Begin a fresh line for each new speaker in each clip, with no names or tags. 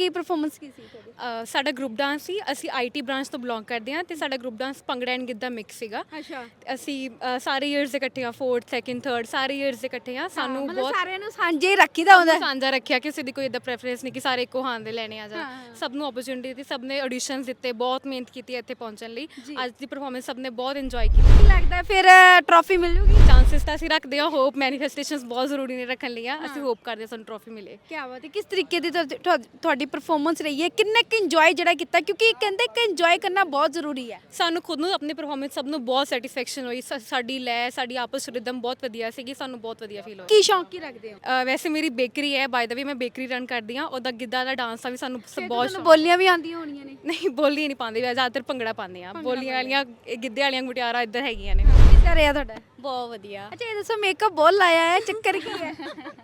ਕੀ performance ਕੀ ਸੀ ਤੁਹਾਡੀ?
ਸਾਡਾ group dance ਸੀ। ਅਸੀਂ ਆਈਟੀ ਬ੍ਰਾਂਚ ਤੋਂ ਬਿਲੋਂਗ ਕਰਦੇ ਹਾਂ ਤੇ ਸਾਡਾ group dance bhangra and giddha mix ਸੀਗਾ।
ਅੱਛਾ,
ਅਸੀਂ ਸਾਰੇ ਇਅਰਸ ਦੇ ਇਕੱਠੇ ਆ, 4th 2nd 3rd ਸਾਰੇ ਇਅਰਸ ਦੇ ਇਕੱਠੇ ਆ। ਸਾਨੂੰ
ਮਤਲਬ
ਬਹੁਤ
ਸਾਰਿਆਂ ਨੂੰ ਸਾਂਝੇ ਰੱਖੀਦਾ ਹੁੰਦਾ।
ਸਾਂਝਾ ਰੱਖਿਆ, ਕਿਸੇ ਦੀ ਕੋਈ ਇਦਾਂ ਪ੍ਰੈਫਰੈਂਸ ਨਹੀਂ ਕਿ ਸਾਰੇ ਇੱਕੋ ਹਾਂ ਦੇ ਲੈਣੇ ਆ ਜਾਂ
ਹਾਂ।
ਸਭ ਨੂੰ ਓਪਰਚੁਨਿਟੀ ਦਿੱਤੀ, ਸਭ ਨੇ ਆਡੀਸ਼ਨਸ ਦਿੱਤੇ, ਬਹੁਤ ਮਿਹਨਤ ਕੀਤੀ ਇੱਥੇ ਪਹੁੰਚਣ ਲਈ।
ਜੀ।
ਅੱਜ ਦੀ ਪਰਫਾਰਮੈਂਸ ਸਭ ਨੇ ਬਹੁਤ ਇੰਜੋਏ ਕੀਤੀ।
ਕੀ ਲੱਗਦਾ ਫਿਰ ਟਰੋਫੀ ਮਿਲ ਜੂਗੀ?
ਚਾਂਸਸ ਤਾਂ ਅਸੀਂ ਰੱਖਦੇ ਹਾਂ, ਹੋਪ ਮੈਨੀਫੈਸਟੇਸ਼ਨਸ ਬਹੁਤ ਜ਼ਰੂਰੀ ਨੇ ਰੱਖਣ ਲਈ ਆ। ਅਸੀਂ ਹੋਪ ਕਰਦੇ ਹਾਂ ਸਾਨੂੰ ਟਰੋਫੀ ਮਿਲੇ।
ਕੀ ਬਾਤ ਹੈ। ਕਿਸ ਤਰੀਕੇ ਦੀ ਤੁਹਾਡੀ ਪਰਫਾਰਮੈਂਸ ਰਹੀ ਹੈ? ਕਿੰਨਾ ਕੁ ਇੰਜੋਏ ਜਿਹੜਾ ਕੀਤਾ, ਕਿਉਂਕਿ ਕਹਿੰਦੇ ਕਿ ਇੰਜੋਏ ਕਰਨਾ ਬਹੁਤ ਜ਼ਰੂਰੀ ਹੈ।
ਸਾਨੂੰ ਖੁਦ ਨੂੰ ਆਪਣੀ ਪਰਫਾਰਮੈਂਸ ਸਭ ਨੂੰ ਬਹੁਤ ਸੈਟੀਸਫੈਕਸ਼ਨ ਹੋਈ। ਸਾਡੀ ਲੈ, ਸਾਡੀ ਆਪਸ ਰਿਦਮ ਬਹੁਤ ਵਧੀਆ ਸੀਗੀ, ਸਾਨੂੰ ਬਹੁਤ ਵਧੀਆ ਫੀਲ ਹੋਇਆ।
ਕੀ ਸ਼ੌਂਕ ਕੀ ਰੱਖਦੇ ਹੋ?
ਵੈਸੇ ਮੇਰੀ ਬੇਕਰੀ ਹੈ, ਬਾਏ ਦਾ ਵੇ ਮੈਂ ਬੇਕਰੀ ਰਨ ਕਰਦੀ ਹਾਂ। ਉਹਦਾ ਗਿੱਧਾ ਦਾ ਡਾਂਸ ਦਾ ਵੀ ਸਾਨੂੰ ਬਹੁਤ
ਤੁਹਾਨੂੰ
ਸ਼ੌਕ।
ਬੋਲੀਆਂ ਵੀ ਆਉਂਦੀਆਂ ਹੋਣੀਆਂ ਨੇ?
ਨਹੀਂ, ਬੋਲੀ ਨਹੀਂ ਪਾਉਂਦੇ, ਜ਼ਿਆਦਾਤਰ ਭੰਗੜਾ ਪਾਉਂਦੇ ਆ। ਬੋਲੀਆਂ ਵਾਲੀਆਂ ਗਿੱਧੇ ਵਾਲੀਆਂ ਮੁਟਿਆਰਾਂ ਇੱਧਰ ਹੈਗੀਆਂ ਨੇ।
ਕਿੱਦਾਂ ਰਿਹਾ ਤੁਹਾਡਾ?
ਬਹੁਤ ਵਧੀਆ।
ਅੱਛਾ, ਇਹ ਦੱਸੋ ਮੇਕਅਪ ਬਹੁਤ ਲਾਇਆ ਹੈ, ਚੱਕਰ ਕੀ ਹੈ?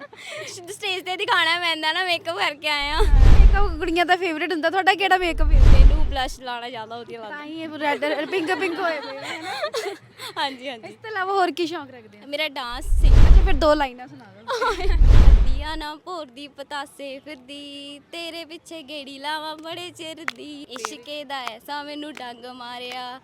ਸਟੇਜ ਤੇ ਦਿਖਾਣਾ ਪੈਂਦਾ ਨਾ, ਮੇਕਅਪ ਕਰਕੇ ਆਏ ਆ।
ਮੇਕਅਪ ਕੁੜੀਆਂ ਦਾ ਫੇਵਰੇਟ ਹੁੰਦਾ, ਤੁਹਾਡਾ ਕਿਹੜਾ ਮੇਕਅਪ ਹੈ?
ਮੈਨੂੰ ਬਲਸ਼ ਲਾਣਾ ਜ਼ਿਆਦਾ ਵਧੀਆ
ਤਾਂ
ਲੱਗਦਾ।
ਹੀ ਇਹ ਰੈੱਡ ਪਿੰਕ ਪਿੰਕ ਹੋਏ ਪਏ ਹੈ ਨਾ।
ਹਾਂਜੀ ਹਾਂਜੀ।
ਇਸ ਤੋਂ ਇਲਾਵਾ ਹੋਰ ਕੀ ਸ਼ੌਂਕ ਰੱਖਦੇ ਹੋ?
ਮੇਰਾ ਡਾਂਸ ਸੀ।
ਅੱਛਾ, ਫਿਰ ਦੋ ਲਾਈਨਾਂ ਸੁਣਾ ਦਿਓ।
ਅੱਡੀਆਂ ਨਾ ਭੋਰਦੀ ਪਤਾਸੇ ਫਿਰਦੀ, ਤੇਰੇ ਪਿੱਛੇ ਗੇੜੀ ਲਾਵਾਂ ਬੜੇ ਚਿਰ ਦੀ, ਇਸ਼ਕੇ ਦਾ ਐਸਾ ਮੈਨੂੰ ਡੰਗ ਮਾਰਿਆ।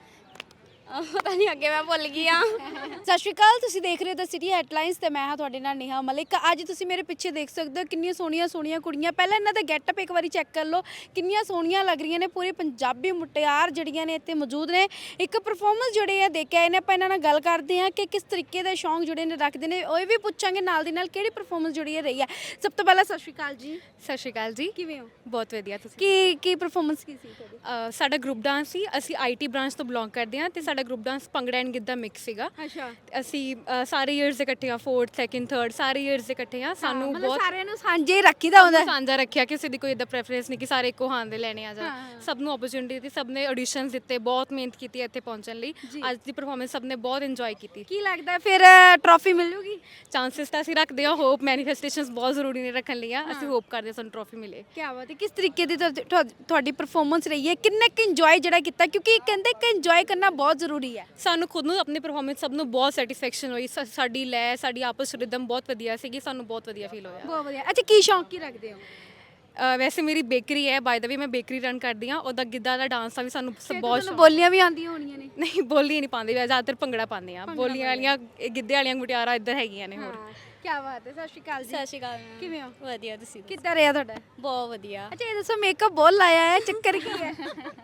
ਪਤਾ ਨਹੀਂ, ਅੱਗੇ ਮੈਂ ਭੁੱਲ ਗਈ ਆ।
ਸਤਿ ਸ਼੍ਰੀ ਅਕਾਲ, ਤੁਸੀਂ ਦੇਖ ਰਹੇ ਹੋ ਦ ਸਿਟੀ ਹੈਡਲਾਈਨਸ ਤੇ ਮੈਂ ਹਾਂ ਤੁਹਾਡੇ ਨਾਲ ਨੇਹਾ ਮਲਿਕ। ਅੱਜ ਤੁਸੀਂ ਮੇਰੇ ਪਿੱਛੇ ਦੇਖ ਸਕਦੇ ਹੋ ਕਿੰਨੀਆਂ ਸੋਹਣੀਆਂ ਸੋਹਣੀਆਂ ਕੁੜੀਆਂ। ਪਹਿਲਾਂ ਇਹਨਾਂ ਦਾ ਗੈਟਅਪ ਇੱਕ ਵਾਰੀ ਚੈੱਕ ਕਰ ਲਓ, ਕਿੰਨੀਆਂ ਸੋਹਣੀਆਂ ਲੱਗ ਰਹੀਆਂ ਨੇ। ਪੂਰੇ ਪੰਜਾਬੀ ਮੁਟਿਆਰ ਜਿਹੜੀਆਂ ਨੇ ਇੱਥੇ ਮੌਜੂਦ ਨੇ। ਇੱਕ ਪਰਫਾਰਮੈਂਸ ਜਿਹੜੇ ਆ ਦੇਖ ਕੇ ਆਏ ਨੇ। ਆਪਾਂ ਇਹਨਾਂ ਨਾਲ ਗੱਲ ਕਰਦੇ ਹਾਂ ਕਿ ਕਿਸ ਤਰੀਕੇ ਦੇ ਸ਼ੌਂਕ ਜਿਹੜੇ ਨੇ ਰੱਖਦੇ ਨੇ। ਉਹ ਵੀ ਪੁੱਛਾਂਗੇ ਨਾਲ ਦੀ ਨਾਲ ਕਿਹੜੀ ਪਰਫਾਰਮੈਂਸ ਜਿਹੜੀ ਹੈ ਰਹੀ ਹੈ। ਸਭ ਤੋਂ ਪਹਿਲਾਂ ਸਤਿ ਸ਼੍ਰੀ ਅਕਾਲ ਜੀ।
ਸਤਿ ਸ਼੍ਰੀ ਅਕਾਲ ਜੀ।
ਕਿਵੇਂ ਹੋ?
ਬਹੁਤ ਵਧੀਆ। ਤੁਸੀਂ?
ਕੀ ਪਰਫਾਰਮੈਂਸ ਕੀ ਸੀ ਤੁਹਾਡੀ?
ਸਾਡਾ ਗਰੁੱਪ ਡਾਂਸ ਸੀ। ਅਸੀਂ ਆਈਟੀ ਬ੍ਰਾਂਚ ਤੋਂ ਬਿਲੋਂਗ ਕਰਦੇ ਹਾਂ ਤੇ ਸਾਡਾ group dance bhangra and giddha mix ਸੀਗਾ।
ਅੱਛਾ,
ਅਸੀਂ ਸਾਰੇ ਇਅਰਸ ਦੇ ਇਕੱਠੇ ਆ, 4th 2nd 3rd ਸਾਰੇ ਇਅਰਸ ਦੇ ਇਕੱਠੇ ਆ। ਸਾਨੂੰ
ਮਤਲਬ
ਬਹੁਤ
ਸਾਰਿਆਂ ਨੂੰ ਸਾਂਝੇ ਰੱਖੀਦਾ ਹੁੰਦਾ।
ਸਾਂਝਾ ਰੱਖਿਆ, ਕਿਸੇ ਦੀ ਕੋਈ ਇਦਾਂ ਪ੍ਰੈਫਰੈਂਸ ਨਹੀਂ ਕਿ ਸਾਰੇ ਇੱਕੋ ਹਾਂ ਦੇ ਲੈਣੇ ਆ ਜਾਂ ਸਭ ਨੂੰ ਓਪਰਚੁਨਿਟੀ ਦਿੱਤੀ, ਸਭ ਨੇ ਆਡੀਸ਼ਨਸ ਦਿੱਤੇ, ਬਹੁਤ ਮਿਹਨਤ ਕੀਤੀ ਇੱਥੇ ਪਹੁੰਚਣ ਲਈ। ਅੱਜ ਦੀ ਪਰਫਾਰਮੈਂਸ ਸਭ ਨੇ ਬਹੁਤ ਇੰਜੋਏ ਕੀਤੀ।
ਕੀ ਲੱਗਦਾ ਫਿਰ ਟਰੋਫੀ ਮਿਲ ਜੂਗੀ?
ਚਾਂਸਸ ਤਾਂ ਅਸੀਂ ਰੱਖਦੇ ਹਾਂ, ਹੋਪ ਮੈਨੀਫੈਸਟੇਸ਼ਨਸ ਬਹੁਤ ਜ਼ਰੂਰੀ ਨੇ ਰੱਖਣ ਲਈ ਆ। ਅਸੀਂ ਹੋਪ ਕਰਦੇ ਹਾਂ ਸਾਨੂੰ ਟਰੋਫੀ ਮਿਲੇ।
ਕੀ ਬਾਤ ਹੈ। ਕਿਸ ਤਰੀਕੇ ਦੀ ਤੁਹਾਡੀ ਪਰਫਾਰਮੈਂਸ ਰਹੀ ਹੈ? ਕਿੰਨਾ ਕੁ ਇੰਜੋਏ ਜਿਹੜਾ ਕੀਤਾ, ਕਿਉਂਕਿ ਕਹਿੰਦੇ ਕਿ ਇੰਜੋਏ ਕਰਨਾ ਬਹੁਤ ਜ਼ਰੂਰੀ ਹੈ।
ਸਾਨੂੰ ਖੁਦ ਨੂੰ ਆਪਣੀ ਪਰਫਾਰਮੈਂਸ ਸਭ ਨੂੰ ਬਹੁਤ ਸੈਟੀਸਫੈਕਸ਼ਨ ਹੋਈ। ਸਾਡੀ ਲੈ, ਸਾਡੀ ਆਪਸ ਰਿਦਮ ਬਹੁਤ ਵਧੀਆ ਸੀਗੀ, ਸਾਨੂੰ ਬਹੁਤ ਵਧੀਆ ਫੀਲ ਹੋਇਆ।
ਬਹੁਤ ਵਧੀਆ। ਅੱਛਾ, ਕੀ ਸ਼ੌਂਕ ਕੀ ਰੱਖਦੇ ਹੋ?
ਵੈਸੇ ਮੇਰੀ ਬੇਕਰੀ ਹੈ, ਬਾਏ ਦਾ ਵੇ ਮੈਂ ਬੇਕਰੀ ਰਨ ਕਰਦੀ ਹਾਂ। ਉਹਦਾ ਗਿੱਧਾ ਦਾ ਡਾਂਸ ਦਾ ਵੀ ਸਾਨੂੰ ਬਹੁਤ
ਤੁਹਾਨੂੰ
ਸ਼ੌਕ।
ਬੋਲੀਆਂ ਵੀ ਆਉਂਦੀਆਂ ਹੋਣੀਆਂ ਨੇ?
ਨਹੀਂ, ਬੋਲੀ ਨਹੀਂ ਪਾਉਂਦੇ, ਜ਼ਿਆਦਾਤਰ ਭੰਗੜਾ ਪਾਉਂਦੇ ਆ। ਬੋਲੀਆਂ ਵਾਲੀਆਂ ਗਿੱਧੇ ਵਾਲੀਆਂ ਮੁਟਿਆਰਾਂ ਇੱਧਰ ਹੈਗੀਆਂ ਨੇ। ਹੋਰ
ਕੀ ਬਾਤ ਹੈ। ਸਟੇਜ ਸ਼੍ਰੀ ਅਕਾਲ ਜੀ।
ਸਤਿ ਸ਼੍ਰੀ ਅਕਾਲ।
ਕਿਵੇਂ ਹੋ?
ਵਧੀਆ। ਤੁਸੀਂ ਦੱਸੋ?
ਕਿੱਦਾਂ ਰਿਹਾ ਤੁਹਾਡਾ?
ਬਹੁਤ ਵਧੀਆ।
ਅੱਛਾ, ਇਹ ਦੱਸੋ ਮੇਕਅਪ ਬਹੁਤ ਲਾਇਆ ਹੈ, ਚੱਕਰ ਕੀ ਹੈ?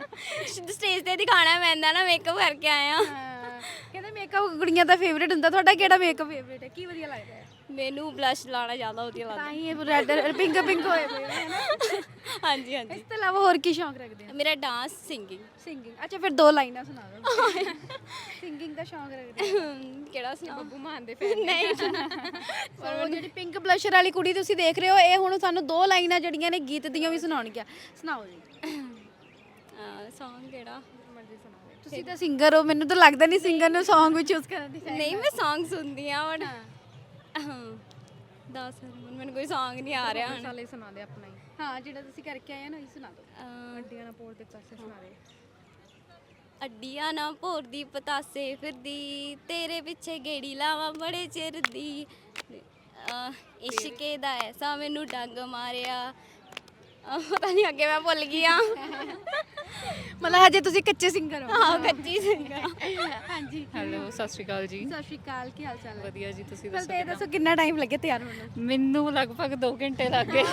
ਸਟੇਜ ਤੇ ਦਿਖਾਣਾ ਪੈਂਦਾ ਨਾ, ਮੇਕਅਪ ਕਰਕੇ ਆਏ ਆ।
ਕਹਿੰਦੇ ਮੇਕਅਪ ਕੁੜੀਆਂ ਦਾ ਫੇਵਰੇਟ ਹੁੰਦਾ, ਤੁਹਾਡਾ ਕਿਹੜਾ ਮੇਕਅਪ ਫੇਵਰੇਟ ਹੈ? ਕੀ ਵਧੀਆ ਲੱਗਦਾ ਹੈ?
ਮੈਨੂੰ ਬਲਸ਼ ਲਾਣਾ ਜ਼ਿਆਦਾ ਵਧੀਆ ਲੱਗਦਾ।
ਤਾਂ ਹੀ ਇਹ ਰੈੱਡ ਪਿੰਕ ਪਿੰਕ ਹੋਏ ਪਏ ਹੈ ਨਾ।
ਹਾਂਜੀ ਹਾਂਜੀ।
ਇਸ ਤੋਂ ਇਲਾਵਾ ਹੋਰ ਕੀ ਸ਼ੌਂਕ ਰੱਖਦੇ ਹੋ?
ਮੇਰਾ ਡਾਂਸ, ਸਿੰਗਿੰਗ।
ਸਿੰਗਿੰਗ। ਅੱਛਾ, ਫਿਰ ਦੋ ਲਾਈਨਾਂ ਸੁਣਾ ਦਿਓ। ਸਿੰਗਿੰਗ ਦਾ ਸ਼ੌਂਕ ਰੱਖਦੇ ਹੋ?
ਕਿਹੜਾ ਸੁਣਾ?
ਬੱਬੂ ਮਾਨ ਦੇ ਫੈਨ।
ਨਹੀਂ।
ਸੋ ਜਿਹੜੀ ਪਿੰਕ ਬਲਸ਼ਰ ਵਾਲੀ ਕੁੜੀ ਤੁਸੀਂ ਦੇਖ ਰਹੇ ਹੋ, ਇਹ ਹੁਣ ਸਾਨੂੰ ਦੋ ਲਾਈਨਾਂ ਜਿਹੜੀਆਂ ਨੇ ਗੀਤ ਦੀਆਂ ਵੀ ਸੁਣਾਉਣਗੀਆਂ। ਸੁਣਾਓ ਜੀ।
ਸੌਂਗ ਕਿਹੜਾ?
ਤੁਸੀਂ ਤਾਂ ਸਿੰਗਰ ਹੋ, ਮੈਨੂੰ ਤਾਂ ਲੱਗਦਾ ਨਹੀਂ ਸਿੰਗਰ ਨੂੰ ਸੌਂਗ ਵੀ ਚੂਜ਼ ਕਰਨ ਦੀ।
ਨਹੀਂ, ਮੈਂ ਸੌਂਗ ਸੁਣਦੀ ਆ ਬਟ ਦੱਸ ਮੈਨੂੰ ਕੋਈ ਸੌਂਗ ਨਹੀਂ ਆ ਰਿਹਾ ਹੁਣ।
ਸਾਲੇ ਸੁਣਾ ਦੇ ਆਪਣਾ ਹੀ।
ਹਾਂ, ਜਿਹੜਾ ਤੁਸੀਂ ਕਰਕੇ ਆਏ ਹੋ ਨਾ, ਇਹ ਸੁਣਾ ਦਿਓ।
ਅੱਡੀਆਂ ਨਾ ਪੋਰ ਦੇ ਪਾਸੇ ਸੁਣਾ ਦੇ।
ਅੱਡੀਆਂ ਨਾ ਭੋਰਦੀ ਪਤਾਸੇ ਫਿਰਦੀ, ਤੇਰੇ ਪਿੱਛੇ ਗੇੜੀ ਲਾਵਾਂ ਬੜੇ ਚਿਰ ਦੀ, ਇਸ਼ਕੇ ਦਾ ਐਸਾ ਮੈਨੂੰ ਡੰਗ ਮਾਰਿਆ। ਪਤਾ ਨਹੀਂ, ਅੱਗੇ ਮੈਂ ਭੁੱਲ ਗਈ ਆ।
ਮਤਲਬ ਹਜੇ ਤੁਸੀਂ ਕੱਚੇ ਸਿੰਗਰ ਹੋ?
ਹਾਂ, ਕੱਚੀ ਸਿੰਗਰ।
ਹਾਂਜੀ।
ਹੈਲੋ, ਸਤਿ ਸ਼੍ਰੀ ਅਕਾਲ ਜੀ।
ਸਤਿ ਸ਼੍ਰੀ ਅਕਾਲ, ਕੀ ਹਾਲ ਚਾਲ ਹੈ?
ਵਧੀਆ ਜੀ, ਤੁਸੀਂ
ਪਹਿਲਾਂ ਤਾਂ ਇਹ ਦੱਸੋ ਕਿੰਨਾ ਟਾਈਮ ਲੱਗਿਆ ਤਿਆਰ ਹੋਣ ਨੂੰ?
ਮੈਨੂੰ ਲਗਭਗ 2 ਘੰਟੇ ਲੱਗ ਗਏ।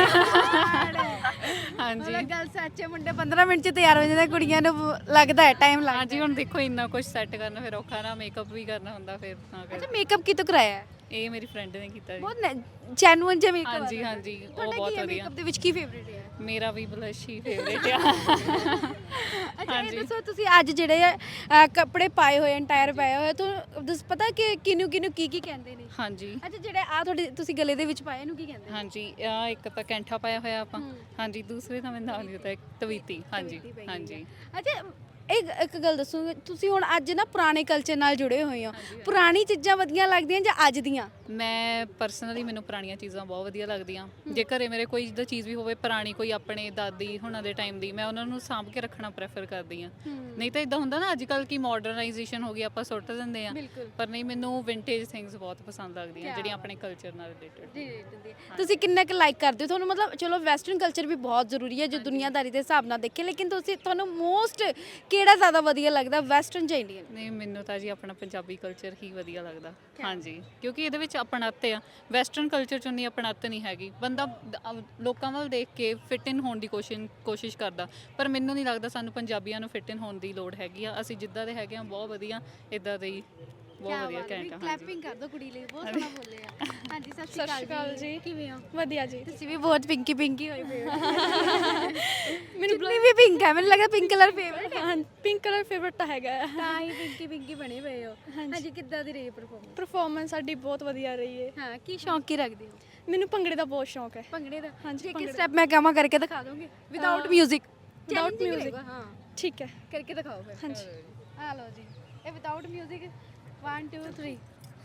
ਹਾਂਜੀ
ਮਤਲਬ ਗੱਲ ਸੱਚ ਹੈ, ਮੁੰਡੇ 15 ਮਿੰਟ 'ਚ ਤਿਆਰ ਹੋ ਜਾਂਦੇ, ਕੁੜੀਆਂ ਨੂੰ ਲੱਗਦਾ ਹੈ ਟਾਈਮ ਲੱਗਦਾ।
ਹਾਂਜੀ, ਹੁਣ ਦੇਖੋ ਇੰਨਾ ਕੁਝ ਸੈੱਟ ਕਰਨਾ ਫਿਰ ਔਖਾ ਨਾ, ਮੇਕਅਪ ਵੀ ਕਰਨਾ ਹੁੰਦਾ ਫਿਰ ਤਾਂ
ਅੱਛਾ,
ਕਰ।
ਮੇਕਅਪ ਕਿਤੋਂ ਕਰਾਇਆ ਹੈ?
ਇਹ ਮੇਰੀ ਫਰੈਂਡ ਨੇ ਕੀਤਾ ਜੀ।
ਬਹੁਤ ਜੈਨੂਇਨ ਜਿਹਾ ਮੇਕਅਪ।
ਹਾਂਜੀ ਹਾਂਜੀ, ਉਹ ਬਹੁਤ ਵਧੀਆ।
ਮੇਕਅਪ ਦੇ ਵਿੱਚ ਕੀ ਫੇਵਰੇਟ ਹੈ?
ਮੇਰਾ ਵੀ ਬਲਸ਼ ਹੀ ਫੇਵਰੇਟ ਆ।
ਅੱਛਾ, ਇਹ ਦੱਸੋ ਤੁਸੀਂ ਅੱਜ ਜਿਹੜੇ ਕੱਪੜੇ ਪਾਏ ਹੋਏ, ਐਂਟਾਇਰ ਪਾਏ ਹੋਏ, ਤੁਹਾਨੂੰ ਪਤਾ ਕਿ ਕਿਹਨੂੰ ਕਿਹਨੂੰ ਕੀ ਕੀ ਕਹਿੰਦੇ ਨੇ?
ਹਾਂਜੀ
ਅੱਛਾ, ਜਿਹੜੇ ਆ ਤੁਹਾਡੇ ਤੁਸੀਂ ਗਲੇ ਦੇ ਵਿੱਚ ਪਾਏ, ਇਹਨੂੰ ਕੀ ਕਹਿੰਦੇ ਨੇ?
ਹਾਂਜੀ, ਆ ਇੱਕ ਤਾਂ ਕੈਂਠਾ ਪਾਇਆ ਹੋਇਆ ਆਪਾਂ। ਹਾਂਜੀ, ਦੂਸਰੇ ਦਾ ਮੈਨੂੰ ਨਾਮ ਨਹੀਂ ਪਤਾ, ਤਵੀਤੀ। ਹਾਂਜੀ
ਤਵੀਤੀ ਪਈ ਹੋਈ
ਹਾਂਜੀ।
ਅੱਛਾ, ਇੱਕ ਗੱਲ ਦੱਸੋਗੇ ਤੁਸੀਂ ਹੁਣ ਅੱਜ ਨਾ ਪੁਰਾਣੇ ਕਲਚਰ ਨਾਲ ਜੁੜੇ ਹੋਏ ਹੋ, ਪੁਰਾਣੀ ਚੀਜ਼ਾਂ ਵਧੀਆ ਲੱਗਦੀਆਂ ਜਾਂ ਅੱਜ ਦੀਆਂ?
ਮੈਂ ਪਰਸਨਲੀ ਮੈਨੂੰ ਪੁਰਾਣੀਆਂ ਚੀਜ਼ਾਂ ਬਹੁਤ ਵਧੀਆ ਲੱਗਦੀਆਂ। ਜੇ ਘਰੇ ਮੇਰੇ ਕੋਈ ਜਿੱਦਾਂ ਚੀਜ਼ ਵੀ ਹੋਵੇ ਪੁਰਾਣੀ, ਕੋਈ ਆਪਣੇ ਦਾਦੀ ਹੁਣਾਂ ਦੇ ਟਾਈਮ ਦੀ, ਮੈਂ ਉਹਨਾਂ ਨੂੰ ਸਾਂਭ ਕੇ ਰੱਖਣਾ ਪ੍ਰੈਫਰ ਕਰਦੀ ਹਾਂ। ਨਹੀਂ ਤਾਂ ਇਦਾਂ ਹੁੰਦਾ ਨਾ ਅੱਜ ਕੱਲ੍ਹ ਕੀ ਮਾਡਰਨਾਈਜੇਸ਼ਨ ਹੋ ਗਈ, ਆਪਾਂ ਸੁੱਟ ਦਿੰਦੇ ਆ, ਪਰ ਨਹੀਂ, ਮੈਨੂੰ ਵਿੰਟੇਜ ਥਿੰਗਸ ਬਹੁਤ ਪਸੰਦ ਲੱਗਦੀਆਂ ਜਿਹੜੀਆਂ ਆਪਣੇ ਕਲਚਰ ਨਾਲ ਰਿਲੇਟਡ।
ਤੁਸੀਂ ਕਿੰਨਾ ਕੁ ਲਾਈਕ ਕਰਦੇ ਹੋ? ਤੁਹਾਨੂੰ ਮਤਲਬ ਚਲੋ ਵੈਸਟਰਨ ਕਲਚਰ ਵੀ ਬਹੁਤ ਜ਼ਰੂਰੀ ਹੈ ਜੋ ਦੁਨੀਆਦਾਰੀ ਦੇ ਹਿਸਾਬ ਨਾਲ ਦੇਖੇ, ਲੇਕਿਨ ਤੁਹਾਨੂੰ ਮੋਸਟ ਕਿਹੜਾ ਜ਼ਿਆਦਾ ਵਧੀਆ ਲੱਗਦਾ, ਵੈਸਟਰਨ ਜਾਂ ਇੰਡੀਅਨ?
ਨਹੀਂ, ਮੈਨੂੰ ਤਾਂ ਜੀ ਆਪਣਾ ਪੰਜਾਬੀ ਕਲਚਰ ਹੀ ਵਧੀਆ ਲੱਗਦਾ। ਹਾਂਜੀ, ਕਿਉਂਕਿ ਇਹਦੇ ਵਿੱਚ ਆਪਣੱਤ ਆ। ਵੈਸਟਰਨ ਕਲਚਰ 'ਚ ਉਨੀ ਆਪਣੱਤ ਨਹੀਂ ਹੈਗੀ। ਬੰਦਾ ਲੋਕਾਂ ਵੱਲ ਦੇਖ ਕੇ ਫਿਟ ਇਨ ਹੋਣ ਦੀ ਕੋਸ਼ਿਸ਼ ਕਰਦਾ, ਪਰ ਮੈਨੂੰ ਨਹੀਂ ਲੱਗਦਾ ਸਾਨੂੰ ਪੰਜਾਬੀਆਂ ਨੂੰ ਫਿਟ ਇਨ ਹੋਣ ਦੀ ਲੋੜ ਹੈਗੀ ਆ। ਅਸੀਂ ਜਿੱਦਾਂ ਦੇ ਹੈਗੇ ਆ ਬਹੁਤ ਵਧੀਆ, ਇਦਾਂ ਦੇ ਹੀ ਬਹੁਤ ਵਧੀਆ ਘੈਂਟ ਆ।
ਕਲੈਪਿੰਗ ਕਰ ਦੋ ਕੁੜੀ ਲਈ, ਬਹੁਤ ਸੋਹਣਾ ਬੋਲੇ ਆ। ਹਾਂਜੀ, ਸਤਿ ਸ਼੍ਰੀ ਅਕਾਲ ਜੀ, ਕਿਵੇਂ ਹੋ?
ਵਧੀਆ ਜੀ।
ਤੁਸੀਂ ਵੀ ਬਹੁਤ ਪਿੰਕੀ ਪਿੰਕੀ ਹੋਏ ਪਏ ਹੋ। ਮੈਨੂੰ ਵੀ ਪਿੰਕ ਹੈ, ਮੈਨੂੰ ਲੱਗਾ ਪਿੰਕ ਕਲਰ ਫੇਵਰਟ ਹੈ।
ਹਾਂ, ਪਿੰਕ ਕਲਰ ਫੇਵਰਟ ਤਾਂ ਹੈਗਾ।
ਤਾਂ ਹੀ ਪਿੰਕੀ ਪਿੰਕੀ ਬਣੇ ਪਏ ਹੋ। ਹਾਂਜੀ, ਕਿੱਦਾਂ ਦੀ ਰਹੀ ਪਰਫਾਰਮੈਂਸ?
ਪਰਫਾਰਮੈਂਸ ਸਾਡੀ ਬਹੁਤ ਵਧੀਆ ਰਹੀ ਹੈ।
ਹਾਂ, ਕੀ ਸ਼ੌਂਕ ਕੀ ਰੱਖਦੇ ਹੋ?
ਮੈਨੂੰ ਭੰਗੜੇ ਦਾ ਬਹੁਤ ਸ਼ੌਂਕ ਹੈ।
ਭੰਗੜੇ ਦਾ?
ਹਾਂਜੀ,
ਇੱਕ ਸਟੈਪ ਮੈਂ ਕਹਾਂ ਕਰਕੇ ਦਿਖਾ ਦੋਗੇ ਵਿਦਆਊਟ 뮤직?
Without music.
ਹਾਂ,
ਠੀਕ ਹੈ,
ਕਰਕੇ ਦਿਖਾਓ ਫਿਰ।
ਹਾਂਜੀ।
ਆ ਲਓ ਜੀ, ਇਹ ਵਿਦਆਊਟ 뮤직 1 2 3।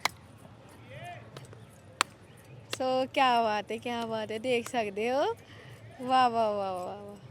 ਸੋ ਕੀ ਬਾਤ ਹੈ, ਦੇਖ ਸਕਦੇ ਹੋ। ਵਾਹ ਵਾਹ ਵਾਹ ਵਾਹ ਵਾਹ,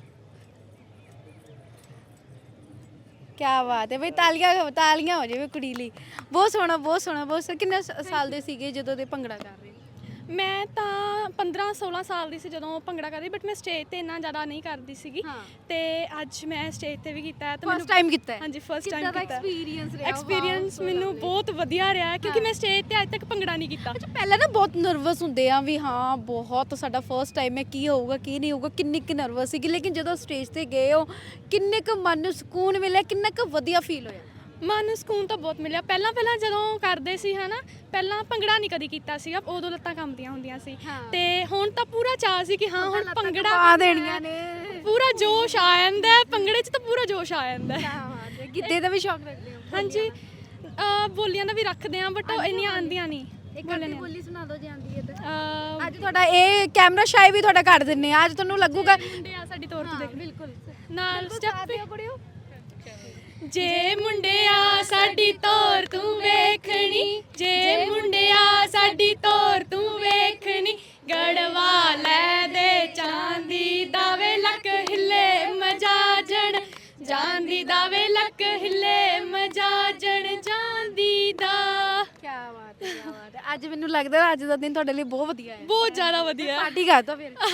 ਕੀ ਬਾਤ ਹੈ ਬਈ। ਤਾਲੀਆਂ ਹੋ ਜਾਵੇ ਕੁੜੀ ਲਈ। ਬਹੁਤ ਸੋਹਣਾ, ਬਹੁਤ ਸੋਹਣਾ, ਬਹੁਤ ਸੋਹਣਾ। ਕਿੰਨੇ ਸਾਲ ਦੇ ਸੀਗੇ ਜਦੋਂ ਦੇ ਭੰਗੜਾ ਕਰ ਰਹੇ?
ਮੈਂ ਤਾਂ 15-16 ਸਾਲ ਦੀ ਸੀ ਜਦੋਂ ਭੰਗੜਾ ਕਰਦੀ, ਬਟ ਮੈਂ ਸਟੇਜ ਤੇ ਇੰਨਾ ਜ਼ਿਆਦਾ ਨਹੀਂ ਕਰਦੀ ਸੀਗੀ। ਤੇ ਅੱਜ ਮੈਂ ਸਟੇਜ ਤੇ ਵੀ ਕੀਤਾ ਹੈ ਤੇ
ਫਸਟ ਟਾਈਮ ਕੀਤਾ ਹੈ?
ਹਾਂਜੀ, ਫਸਟ ਟਾਈਮ
ਕਿੱਦਾਂ ਦਾ
ਕੀਤਾ।
ਐਕਸਪੀਰੀਅੰਸ ਰਿਹਾ?
ਐਕਸਪੀਰੀਅੰਸ ਮੈਨੂੰ ਬਹੁਤ ਵਧੀਆ ਰਿਹਾ ਕਿਉਂਕਿ ਮੈਂ ਸਟੇਜ ਤੇ ਅੱਜ ਤੱਕ ਭੰਗੜਾ ਨਹੀਂ ਕੀਤਾ।
ਅੱਛਾ, ਪਹਿਲਾਂ ਨਾ ਬਹੁਤ ਨਰਵਸ ਹੁੰਦੇ ਆ ਵੀ ਹਾਂ ਬਹੁਤ ਸਾਡਾ ਫਰਸਟ ਟਾਈਮ ਹੈ, ਕੀ ਹੋਊਗਾ ਕੀ ਨਹੀਂ ਹੋਊਗਾ, ਕਿੰਨੀ ਕੁ ਨਰਵਸ ਸੀਗੀ, ਲੇਕਿਨ ਜਦੋਂ ਸਟੇਜ ਤੇ ਗਏ ਹੋ ਕਿੰਨੇ ਕੁ ਮਨ ਨੂੰ ਸਕੂਨ ਮਿਲਿਆ, ਕਿੰਨਾ ਕੁ ਵਧੀਆ ਫੀਲ ਹੋਇਆ?
ਮਨ ਨੂੰ ਸਕੂਨ ਤਾਂ ਬਹੁਤ ਮਿਲਿਆ। ਪਹਿਲਾਂ ਜਦੋਂ ਕਰਦੇ ਸੀ ਹਨਾ, ਪਹਿਲਾਂ ਭੰਗੜਾ ਨਹੀਂ ਕਦੀ ਕੀਤਾ ਸੀਗਾ, ਉਦੋਂ ਲੱਤਾਂ ਕੰਬਦੀਆਂ ਹੁੰਦੀਆਂ ਸੀ। ਤੇ ਹੁਣ ਤਾਂ ਪੂਰਾ ਚਾਅ ਸੀ ਕਿ ਹਾਂ ਹੁਣ ਭੰਗੜਾ
ਪਾ ਦੇਣੀਆਂ ਨੇ,
ਪੂਰਾ ਜੋਸ਼ ਆ ਜਾਂਦਾ ਹੈ। ਭੰਗੜੇ 'ਚ ਤਾਂ ਪੂਰਾ ਜੋਸ਼ ਆ ਜਾਂਦਾ ਹੈ।
ਗਿੱਧੇ ਦਾ ਵੀ ਸ਼ੌਕ ਰੱਖਦੇ ਹੋ?
ਹਾਂਜੀ, ਬੋਲੀਆਂ ਦਾ ਵੀ ਰੱਖਦੇ ਆ, ਬਟ ਇੰਨੀਆਂ ਆਉਂਦੀਆਂ ਨਹੀਂ।
ਇੱਕ ਅੱਧੀ ਬੋਲੀ ਸੁਣਾ ਦਿਓ ਜੇ ਆਉਂਦੀ ਹੈ ਤਾਂ। ਅੱਜ ਤੁਹਾਡਾ ਇਹ ਕੈਮਰਾ ਸ਼ਾਈ ਵੀ ਤੁਹਾਡਾ ਕੱਢ ਦਿੰਨੇ ਆ, ਅੱਜ ਤੁਹਾਨੂੰ ਲੱਗੂਗਾ
ਮੁੰਡੇ ਆ ਸਾਡੀ ਤੌਰ ਤੇ ਦੇਖ
ਬਿਲਕੁਲ
ਨਾਲ ਸਟੈਪ ਕੁੜਿਓ। ਜੇ ਮੁੰਡਿਆ ਸਾਡੀ ਤੋਰ ਤੂੰ ਵੇਖਣੀ, ਜੇ ਮੁੰਡਿਆ ਸਾਡੀ ਤੋਰ ਤੂੰ ਵੇਖਣੀ, ਗੜਵਾ ਲੈ ਦੇ ਚਾਂਦੀ ਦਾ ਵੇ ਲੱਕ ਹਿੱਲੇ ਮਜਾਜਣ, ਜਾਂਦੀ ਦਾ ਵੇ ਲੱਕ ਹਿੱਲੇ ਮਜਾਜਣ ਜਾਂਦੀ ਦਾ।
ਕੀ ਬਾਤ ਹੈ, ਕੀ ਬਾਤ ਹੈ। ਅੱਜ ਮੈਨੂੰ ਲੱਗਦਾ ਅੱਜ ਦਾ ਦਿਨ ਤੁਹਾਡੇ ਲਈ ਬਹੁਤ ਵਧੀਆ ਹੈ।
ਬਹੁਤ ਜ਼ਿਆਦਾ ਵਧੀਆ।
ਪਾਰਟੀ ਕਰ ਦੋ ਫਿਰ।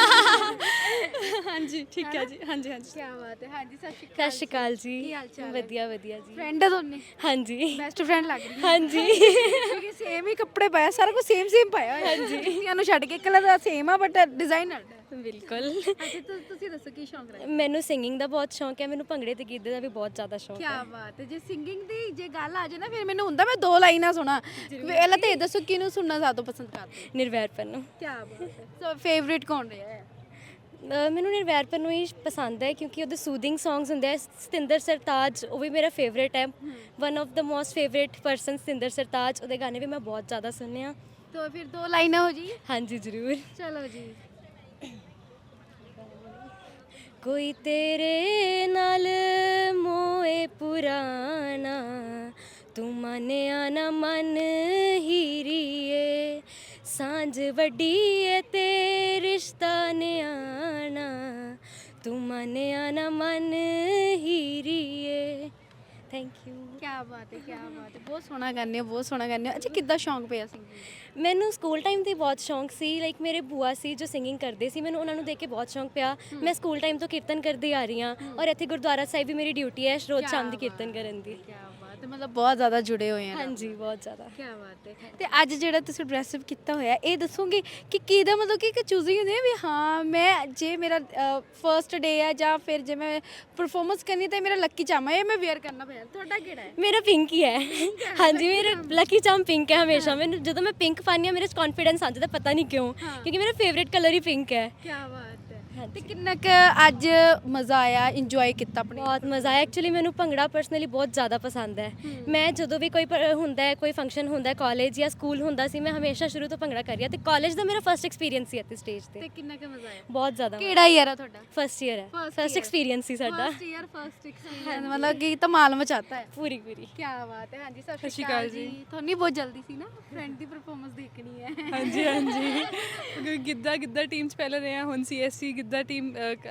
ਹਾਂਜੀ, ਠੀਕ ਹੈ ਜੀ। ਹਾਂਜੀ ਹਾਂਜੀ,
ਕੀ ਬਾਤ ਹੈ। ਹਾਂਜੀ, ਸਤਿ
ਸਤਿ ਸ਼੍ਰੀ ਅਕਾਲ ਜੀ।
ਕੀ ਹਾਲ ਚਾਲ ਹੈ?
ਵਧੀਆ ਵਧੀਆ ਜੀ।
ਫਰੈਂਡ ਹੈ ਦੋਨੇ?
ਹਾਂਜੀ
ਬੈਸਟ ਫਰੈਂਡ ਲੱਗ ਰਹੀ ਹੈ।
ਹਾਂਜੀ
ਕਿਉਂਕਿ ਸੇਮ ਹੀ ਕੱਪੜੇ ਪਾਇਆ, ਸਾਰਾ ਕੁਝ ਸੇਮ ਪਾਇਆ ਹੋਇਆ। ਜੁੱਤੀਆਂ ਨੂੰ ਛੱਡ ਕੇ ਕਲਰ ਦਾ ਸੇਮ ਆ ਬਟ ਡਿਜ਼ਾਈਨ ਅਲੱਗ ਹੈ।
ਬਿਲਕੁਲ।
ਅੱਛਾ, ਤੁਸੀਂ ਦੱਸੋ ਕੀ ਸ਼ੌਂਕ ਰੱਖਦੇ?
ਮੈਨੂੰ ਸਿੰਗਿੰਗ ਦਾ ਬਹੁਤ ਸ਼ੌਂਕ ਹੈ, ਮੈਨੂੰ ਭੰਗੜੇ ਤੇ ਗਿੱਧੇ ਦਾ ਵੀ ਬਹੁਤ ਜ਼ਿਆਦਾ ਸ਼ੌਂਕ
ਕੀ
ਹੈ।
ਬਾਤ ਹੈ। ਜੇ ਸਿੰਗਿੰਗ ਦੀ ਜੇ ਗੱਲ ਆ ਜਾਏ ਨਾ ਫਿਰ ਮੈਨੂੰ ਹੁੰਦਾ ਮੈਂ ਦੋ ਲਾਈਨਾਂ ਸੁਣਾ। ਪਹਿਲਾਂ ਤਾਂ ਇਹ ਦੱਸੋ ਕਿਹਨੂੰ ਸੁਣਨਾ ਜ਼ਿਆਦਾ ਪਸੰਦ ਕਰਦੇ?
ਨਿਰਵੈਰਪਨ ਨੂੰ।
ਕੀ ਬਾਤ ਹੈ। ਸੋ ਫੇਵਰਿਟ ਕੌਣ ਰਿਹਾ ਹੈ?
ਮੈਨੂੰ ਨਿਰਵੈਰਪਨ ਨੂੰ ਹੀ ਪਸੰਦ ਹੈ ਕਿਉਂਕਿ ਉਹਦੇ ਸੂਦਿੰਗ ਸੌਂਗਸ ਹੁੰਦੇ ਆ। ਸਤਿੰਦਰ ਸਰਤਾਜ ਉਹ ਵੀ ਮੇਰਾ ਫੇਵਰੇਟ ਹੈ। One of the most favourite person Satinder Sartaj, ਉਹਦੇ ਗਾਣੇ ਵੀ ਮੈਂ ਬਹੁਤ ਜ਼ਿਆਦਾ ਸੁਣਨੇ ਆ।
तो फिर दो लाइनें हो जी।
ਹਾਂਜੀ ਜ਼ਰੂਰ।
चलो जी।
कोई तेरे नाल मोए पुराना, तू मानिया ना मन हीरिए, सांझ वड्डी है ते रिश्ता न्याना, तू मानिया ना मन हीरिए। Thank you.
क्या बात है, क्या बात है। बहुत सोहना गाने हो, बहुत सोहना गाने हो। अच्छा, किद्दां शौक पिया सिंगिंग?
ਮੈਨੂੰ ਸਕੂਲ ਟਾਈਮ ਤੇ ਬਹੁਤ ਸ਼ੌਂਕ ਸੀ। ਲਾਈਕ ਮੇਰੇ ਭੂਆ ਸੀ ਜੋ ਸਿੰਗਿੰਗ ਕਰਦੇ ਸੀ, ਮੈਨੂੰ ਉਹਨਾਂ ਨੂੰ ਦੇਖ ਕੇ ਬਹੁਤ ਸ਼ੌਂਕ ਪਿਆ। ਮੈਂ ਸਕੂਲ ਟਾਈਮ ਤੋਂ ਕੀਰਤਨ ਕਰਦੀ ਆ ਰਹੀ ਹਾਂ ਔਰ ਇੱਥੇ ਗੁਰਦੁਆਰਾ ਸਾਹਿਬ ਵੀ ਮੇਰੀ ਡਿਊਟੀ ਹੈ ਰੋਜ਼ ਸ਼ਾਮ ਦੀ ਕੀਰਤਨ ਕਰਨ ਦੀ।
क्या बात है, मतलब बहुत ज़्यादा जुड़े हुए हैं।
ਹਾਂਜੀ ਬਹੁਤ ਜ਼ਿਆਦਾ।
क्या बात है। ਤੇ ਅੱਜ ਜਿਹੜਾ ਤੁਸੀਂ ਡਰੈਸ ਅਪ ਕੀਤਾ ਹੋਇਆ ਇਹ ਦੱਸੋਗੇ ਕਿ ਕਿਹਦਾ ਮਤਲਬ ਕਿ ਇੱਕ ਚੂਜ਼ਿੰਗ ਹੁੰਦੀ ਹੈ ਵੀ ਹਾਂ ਮੈਂ ਜੇ ਮੇਰਾ ਫਰਸਟ ਡੇ ਹੈ ਜਾਂ ਫਿਰ ਜੇ ਮੈਂ ਪਰਫਾਰਮੈਂਸ ਕਰਨੀ ਤਾਂ ਮੇਰਾ ਲੱਕੀ ਚਾਮ ਹੈ ਇਹ ਮੈਂ ਵੇਅਰ ਕਰਨਾ ਪਿਆ। ਤੁਹਾਡਾ ਕਿਹੜਾ ਹੈ?
ਮੇਰਾ ਪਿੰਕ ਹੀ ਹੈ। ਹਾਂਜੀ ਮੇਰਾ ਲੱਕੀ ਚਾਮ ਪਿੰਕ ਹੈ ਹਮੇਸ਼ਾ। ਮੈਨੂੰ ਜਦੋਂ ਮੈਂ ਪਿੰਕ ਪਾਉਂਦੀ ਹਾਂ ਮੇਰੇ 'ਚ ਕੌਨਫੀਡੈਂਸ ਆ ਜਾਂਦਾ, ਪਤਾ ਨਹੀਂ ਕਿਉਂ, ਕਿਉਂਕਿ ਮੇਰਾ ਫੇਵਰੇਟ ਕਲਰ ਹੀ ਪਿੰਕ ਹੈ।
क्या बात है। ਹੈ ਤੇ ਕਿੰਨਾ ਕੁ ਅੱਜ ਮਜ਼ਾ ਆਇਆ, ਇੰਜੋਏ ਕੀਤਾ ਆਪਣੇ?
ਬਹੁਤ ਮਜ਼ਾ ਆਇਆ ਐਕਚੁਅਲੀ। ਮੈਨੂੰ ਭੰਗੜਾ ਪਰਸਨਲੀ ਬਹੁਤ ਜ਼ਿਆਦਾ ਪਸੰਦ ਹੈ। ਮੈਂ ਜਦੋਂ ਵੀ ਕੋਈ ਹੁੰਦਾ ਹੈ, ਕੋਈ ਫੰਕਸ਼ਨ ਹੁੰਦਾ ਹੈ, ਕਾਲਜ ਜਾਂ ਸਕੂਲ ਹੁੰਦਾ ਸੀ, ਮੈਂ ਹਮੇਸ਼ਾ ਸ਼ੁਰੂ ਤੋਂ ਭੰਗੜਾ ਕਰ ਰਹੀ ਹਾਂ ਤੇ ਕਾਲਜ ਦਾ ਮੇਰਾ ਫਸਟ ਐਕਸਪੀਰੀਅੰਸ ਸੀ ਇੱਥੇ ਸਟੇਜ ਤੇ।
ਤੇ ਕਿੰਨਾ ਕੁ ਮਜ਼ਾ ਆਇਆ?
ਬਹੁਤ ਜ਼ਿਆਦਾ।
ਕਿਹੜਾ ਈਅਰ ਆ ਤੁਹਾਡਾ?
ਫਸਟ ਈਅਰ ਹੈ,
First
ਫਸਟ
year।
ਐਕਸਪੀਰੀਅੰਸ ਸੀ ਸਾਡਾ।
ਫਸਟ ਈਅਰ ਫਸਟ ਐਕਸਪੀਰੀਅੰਸ ਮਤਲਬ ਕਿ ਧਮਾਲ ਮਚਾਤਾ ਹੈ।
ਪੂਰੀ ਪੂਰੀ।
ਕੀ ਬਾਤ ਹੈ। ਹਾਂਜੀ ਸਤਿ ਸ਼੍ਰੀ ਅਕਾਲ ਜੀ। ਤੁਹਾਨੂੰ ਬਹੁਤ ਜਲਦੀ ਸੀ ਨਾ ਫਰੈਂਡ ਦੀ ਪਰਫਾਰਮੈਂਸ ਦੇਖਣੀ ਹੈ।
ਹਾਂਜੀ ਹਾਂਜੀ ਗਿੱਧਾ ਟੀਮ ਚ ਪਹਿਲਾਂ ਰਹੇ ਹਾਂ, ਹੁਣ ਸੀਐਸਸੀ ਗਿੱਧਾ ਟੀਮ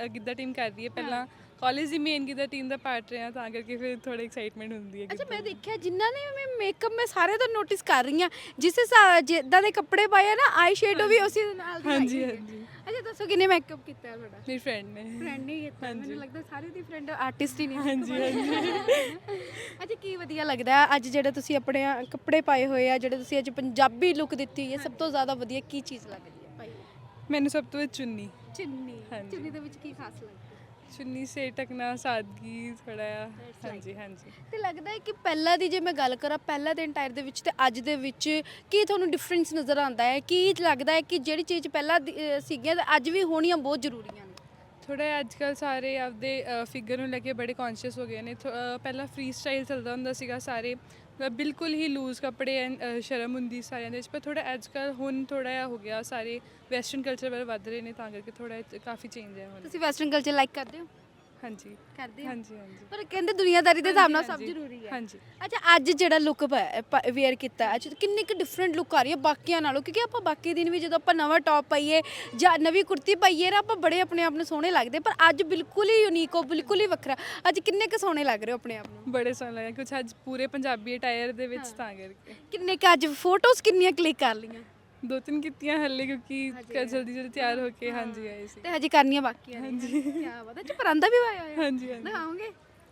ਕਰ ਰਹੀ ਹੈ। ਪਹਿਲਾਂ ਕਾਲਜ ਦੀ ਮੇਨ ਗਿੱਧਾ ਟੀਮ ਦਾ ਪਾਰਟ ਰਹੇ ਹਾਂ, ਤਾਂ ਕਰਕੇ ਫਿਰ ਥੋੜੀ ਐਕਸਾਈਟਮੈਂਟ ਹੁੰਦੀ ਹੈ।
ਅੱਛਾ ਮੈਂ ਦੇਖਿਆ ਜਿਨ੍ਹਾਂ ਨੇ ਮੈਂ ਮੇਕਅਪ ਮੈਂ ਸਾਰੇ ਤੋਂ ਨੋਟਿਸ ਕਰ ਰਹੀ ਹਾਂ, ਜਿਸ ਜਿੱਦਾਂ ਦੇ ਕੱਪੜੇ ਪਾਏ ਆ ਨਾ ਆਈ ਸ਼ੇਡੋ ਵੀ ਉਸੇ ਦੇ ਨਾਲ ਦੀ ਲਾਈ
ਹਾਂਜੀ
ਹੋਈ ਹੈ।
ਹਾਂਜੀ
ਅੱਛਾ ਦੱਸੋ ਕਿੰਨੇ ਮੇਕਅਪ ਕੀਤਾ ਹੈ ਤੁਹਾਡਾ?
ਮੇਰੀ ਫਰੈਂਡ ਨੇ।
ਫਰੈਂਡ ਨੇ ਕੀਤਾ, ਮੈਨੂੰ ਲੱਗਦਾ ਸਾਰੇ ਦੀ ਫਰੈਂਡ ਆਰਟਿਸਟ ਹੀ ਨੇ।
ਹਾਂਜੀ ਹਾਂਜੀ
ਅੱਛਾ ਕੀ ਵਧੀਆ ਲੱਗਦਾ ਹੈ ਅੱਜ ਜਿਹੜੇ ਤੁਸੀਂ ਆਪਣੇ ਕੱਪੜੇ ਪਾਏ ਹੋਏ ਆ, ਜਿਹੜੇ ਤੁਸੀਂ ਅੱਜ ਪੰਜਾਬੀ ਲੁੱਕ ਦਿੱਤੀ ਹੈ, ਸਭ ਤੋਂ ਜ਼ਿਆਦਾ ਵਧੀਆ ਕੀ ਚੀਜ਼ ਲੱਗਦੀ ਹੈ ਭਾਈ?
ਮੈਨੂੰ ਸਭ ਤੋਂ ਵੱਧ ਚੁੰਨੀ।
ਚੁੰਨੀ।
ਹਾਂਜੀ।
ਚੁੰਨੀ ਦੇ ਵਿੱਚ ਕੀ ਖਾਸ ਲੱਗਦਾ?
ਚੁੰਨੀ ਸੇ ਟਕਣਾ, ਸਾਦਗੀ ਥੋੜਾ ਜਿਹਾ। ਹਾਂਜੀ ਹਾਂਜੀ
ਤੇ ਲੱਗਦਾ ਹੈ ਕਿ ਪਹਿਲਾਂ ਦੀ ਜੇ ਮੈਂ ਗੱਲ ਕਰਾਂ, ਪਹਿਲਾਂ ਦੇ ਇੰਟਾਇਰ ਦੇ ਵਿੱਚ ਤੇ ਅੱਜ ਦੇ ਵਿੱਚ ਕੀ ਤੁਹਾਨੂੰ ਡਿਫਰੈਂਸ ਨਜ਼ਰ ਆਉਂਦਾ ਹੈ? ਕੀ ਲੱਗਦਾ ਹੈ ਕਿ ਜਿਹੜੀ ਚੀਜ਼ ਪਹਿਲਾਂ ਸੀਗੀਆਂ ਤੇ ਅੱਜ ਵੀ ਹੋਣੀਆਂ ਬਹੁਤ ਜ਼ਰੂਰੀਆਂ ਨੇ?
ਥੋੜਾ ਜਿਹਾ ਅੱਜ ਕੱਲ੍ਹ ਸਾਰੇ ਆਪਦੇ ਫਿਗਰ ਨੂੰ ਲੈ ਕੇ ਬੜੇ ਕੌਨਸ਼ੀਅਸ ਹੋ ਗਏ ਨੇ। ਪਹਿਲਾਂ ਫ੍ਰੀ ਸਟਾਈਲ ਚੱਲਦਾ ਹੁੰਦਾ ਸੀਗਾ, ਸਾਰੇ ਬਿਲਕੁਲ ਹੀ ਲੂਜ਼ ਕੱਪੜੇ ਸ਼ਰਮ ਹੁੰਦੀ ਸਾਰਿਆਂ ਦੇ ਵਿੱਚ, ਪਰ ਥੋੜਾ ਅੱਜ ਕੱਲ੍ਹ ਹੁਣ ਥੋੜਾ ਜਿਹਾ ਹੋ ਗਿਆ, ਸਾਰੇ ਵੈਸਟਰਨ ਕਲਚਰ ਵੱਲ ਵੱਧ ਰਹੇ ਨੇ, ਤਾਂ ਕਰਕੇ ਥੋੜਾ ਕਾਫੀ ਚੇਂਜ ਹੈ ਹੁਣ।
ਤੁਸੀਂ ਵੈਸਟਰਨ ਕਲਚਰ ਲਾਈਕ ਕਰਦੇ ਹੋ?
ਹਾਂਜੀ
ਕਰਦੇ ਹੋ?
ਹਾਂਜੀ ਹਾਂਜੀ
ਪਰ ਕਹਿੰਦੇ ਦੁਨੀਆਦਾਰੀ ਦੇ ਹਿਸਾਬ ਨਾਲ ਸਭ
ਹਾਂਜੀ,
ਜ਼ਰੂਰੀ ਹੈ।
ਹਾਂਜੀ
ਅੱਛਾ ਅੱਜ ਜਿਹੜਾ ਲੁੱਕ ਵੇਅਰ ਕੀਤਾ ਹੈ, ਅੱਛਾ ਕਿੰਨੀ ਕੁ ਡਿਫਰੈਂਟ ਲੁੱਕ ਆ ਰਹੀ ਹੈ ਬਾਕੀਆਂ ਨਾਲੋਂ? ਕਿਉਂਕਿ ਆਪਾਂ ਬਾਕੀ ਦਿਨ ਵੀ ਜਦੋਂ ਆਪਾਂ ਨਵਾਂ ਟੌਪ ਪਾਈਏ ਜਾਂ ਨਵੀਂ ਕੁੜਤੀ ਪਾਈਏ ਨਾ, ਆਪਾਂ ਬੜੇ ਆਪਣੇ ਆਪ ਨੂੰ ਸੋਹਣੇ ਲੱਗਦੇ, ਪਰ ਅੱਜ ਬਿਲਕੁਲ ਹੀ ਯੂਨੀਕ ਹੋ, ਬਿਲਕੁਲ ਹੀ ਵੱਖਰਾ। ਅੱਜ ਕਿੰਨੇ ਕੁ ਸੋਹਣੇ ਲੱਗ ਰਹੇ ਹੋ ਆਪਣੇ ਆਪ ਨੂੰ?
ਬੜੇ ਸੋਹਣੇ ਲੱਗੇ ਕੁਝ ਅੱਜ ਪੂਰੇ ਪੰਜਾਬੀ ਅਟਾਇਰ ਦੇ ਵਿੱਚ, ਤਾਂ ਕਰਕੇ
ਕਿੰਨੇ ਕੁ ਅੱਜ ਫੋਟੋਜ਼ ਕਿੰਨੀਆਂ ਕਲਿੱਕ ਕਰ ਲਈਆਂ?
2-3 ਕੀਤੀਆਂ ਹੱਲੇ, ਕਿਉਂਕਿ ਜਲਦੀ ਜਲਦੀ ਤਿਆਰ ਹੋ ਕੇ ਹਾਂਜੀ ਆਏ ਸੀ।
ਤੇ ਹਜੇ ਕਰਨੀਆਂ ਬਾਕੀ ਨੇ। ਕੀ ਬਾਤ ਹੈ। ਅੱਛਾ ਪਰਾਂਦਾ ਵੀ ਪਾਇਆ ਹੋਇਆ?
ਹਾਂਜੀ ਹਾਂਜੀ
ਦਿਖਾਓਗੇ?